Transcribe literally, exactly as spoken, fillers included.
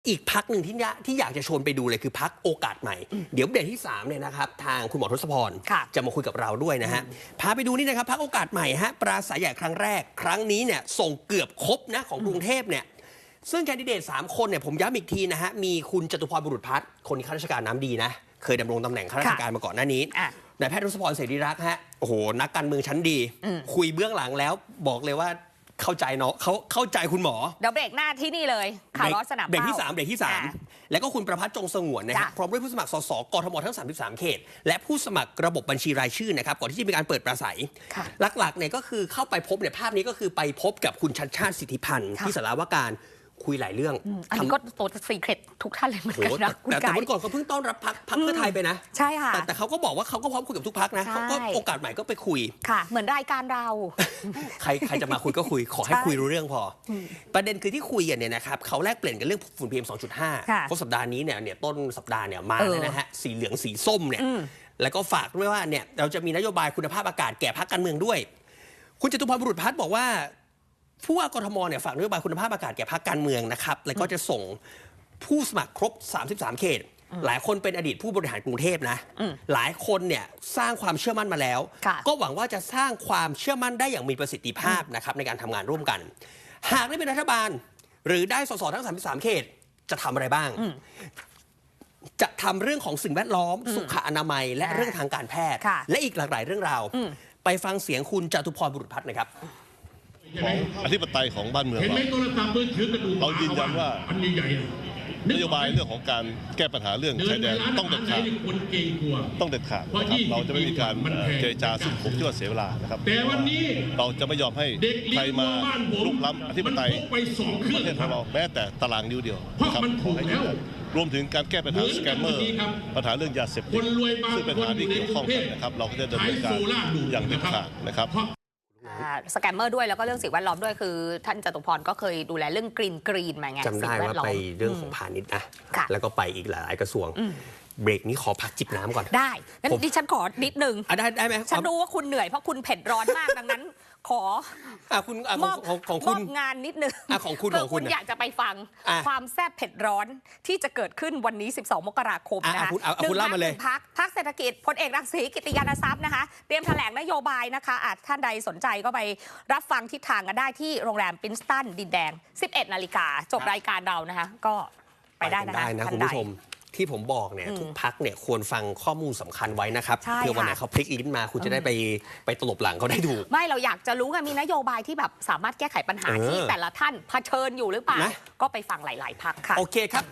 อีกพักหนึ่งที่ที่อยากจะชวนไปดูเลยคือพักโอกาสใหม่เดี๋ยวเบรกที่สามเนี่ยนะครับทางคุณหมอทศพรจะมาคุยกับเราด้วยนะฮะพาไปดูนี่นะครับพักโอกาสใหม่ฮะปราศัยใหญ่ครั้งแรกครั้งนี้เนี่ยส่งเกือบครบนะของกรุงเทพเนี่ยซึ่งแคนดิเดตสามคนเนี่ยผมย้ำอีกทีนะฮะมีคุณจตุพรบุรุษพัฒน์คนข้าราชการน้ำดีนะเคยดำรงตำแหน่งข้าราชการมาก่อนหน้านี้นายแพทย์ทศพรเสรีรักษ์ฮะโอ้โหนักการเมืองชั้นดีคุยเบื้องหลังแล้วบอกเลยว่าเข้าใจเนาะเขาเข้าใจคุณหมอเดี๋ยวเบรกหน้าที่นี่เลยข่าวร้อนสนามเบรกที่สามเบรกที่สามแล้วก็คุณประภัสจงสงวนนะครับพร้อมด้วยผู้สมัครสสกทมทั้งสามสิบสามเขตและผู้สมัครระบบบัญชีรายชื่อนะครับก่อนที่จะมีการเปิดปราศัยหลักๆเนี่ยก็คือเข้าไปพบเนี่ยภาพนี้ก็คือไปพบกับคุณชัชชาติสิทธิพันธ์ที่สารวการคุยหลายเรื่องอันนี้ก็โตซีเคร็ตทุกท่านเลยเหมือนกันนะแต่แต่วันก่อนเขาเพิ่งต้อนรับพักพักเพื่อไทยไปนะใช่ค่ะแต่เขาก็บอกว่าเขาก็พร้อมคุยกับทุกพักนะเขาก็โอกาสใหม่ก็ไปคุยค่ะเหมือนรายการเราใครใครจะมาคุยก็คุยขอให้คุยรู้เรื่องพอประเด็นคือที่คุยกันเนี่ยนะครับเขาแลกเปลี่ยนกันเรื่องฝุ่น พี เอ็ม สองจุดห้า เพราะสัปดาห์นี้เนี่ยเนี่ยต้นสัปดาห์เนี่ยมาแล้วนะฮะสีเหลืองสีส้มเนี่ยแล้วก็ฝากด้วยว่าเนี่ยเราจะมีนโยบายคุณภาพอากาศแก่พรรคการเมืองด้วยคุณจตุพรบุรุษพัฒน์บอกว่าผู้ว่ากทมเนี่ยฝากนโยบายคุณภาพอากาศแก่พรรคการเมืองนะครับแล้วก็จะส่งผู้สมัครครบสามสิบสามเขตหลายคนเป็นอดีตผู้บริหารกรุงเทพนะหลายคนเนี่ยสร้างความเชื่อมั่นมาแล้วก็หวังว่าจะสร้างความเชื่อมั่นได้อย่างมีประสิทธิภาพนะครับในการทำงานร่วมกันหากได้เป็นรัฐบาลหรือได้สสทั้งสามสิบสามเขตจะทำอะไรบ้างจะทำเรื่องของสิ่งแวดล้อมสุขอนามัยและเรื่องทางการแพทย์และอีกหลากหลายเรื่องราวไปฟังเสียงคุณจตุพรบุรุษพัฒน์นะครับของอธิปไตยของบ้านเมืองเราเรายืนยันว่านโยบายเรื่องของการแก้ปัญหาเรื่องชายแดนต้องเด็ดขาดต้องเด็ดขาดนะครับเราจะไม่มีการเจรจาซึ่งผมคิดว่าเสียเวลานะครับเราจะไม่ยอมให้ใครมาลุกล้ำอธิปไตยประเทศของเราแม้แต่ตารางนิ้วเดียวนะครับขอให้ยืนยันรวมถึงการแก้ปัญหาสแกมเมอร์ปัญหาเรื่องยาเสพติดซึ่งเป็นปัญหาที่เกี่ยวข้องกันนะครับเราก็จะดำเนินการอย่างเด็ดขาดนะครับสแกมเมอร์ด้วยแล้วก็เรื่องสิ่งแวดล้อมด้วยคือท่านจตุพรก็เคยดูแลเรื่องกรีนกรีนมาไงจำได้ว่าไปเรื่องของพาณิชย์นะแล้วก็ไปอีกหลายกระทรวงเบรกนี้ขอพักจิบน้ำก่อนได้งั้นดิฉันขอนิดนึงได้ได้ไหมฉันรู้ว่าคุณเหนื่อยเพราะคุณเผ็ดร้อนมากดังนั้นขอคุณมอบของคุณงานนิดนึงของคุณของคุณอยากจะไปฟังความแซ่บเผ็ดร้อนที่จะเกิดขึ้นวันนี้สิบสองมกราคมนะคะหนึ่งพักหนึ่งพักพักเศรษฐกิจพลเอกรังสีกิติยานทรัพย์นะคะเตรียมแถลงนโยบายนะคะอาจท่านใดสนใจก็ไปรับฟังทิศทางกันได้ที่โรงแรมปรินสตันดินแดงสิบเอ็ดนาฬิกาจบรายการเรานะคะก็ไปได้นะคะนะคุณผู้ชมที่ผมบอกเนี่ยทุกพักเนี่ยควรฟังข้อมูลสำคัญไว้นะครับเพื่อวันไหนเขาพลิกลิ้นมาคุณจะได้ไปไปตลบหลังเขาได้ถูกไม่เราอยากจะรู้ไงมีนโยบายที่แบบสามารถแก้ไขปัญหาที่แต่ละท่านเผชิญอยู่หรือเปล่าก็ไปฟังหลายๆพักค่ะโอเคครับ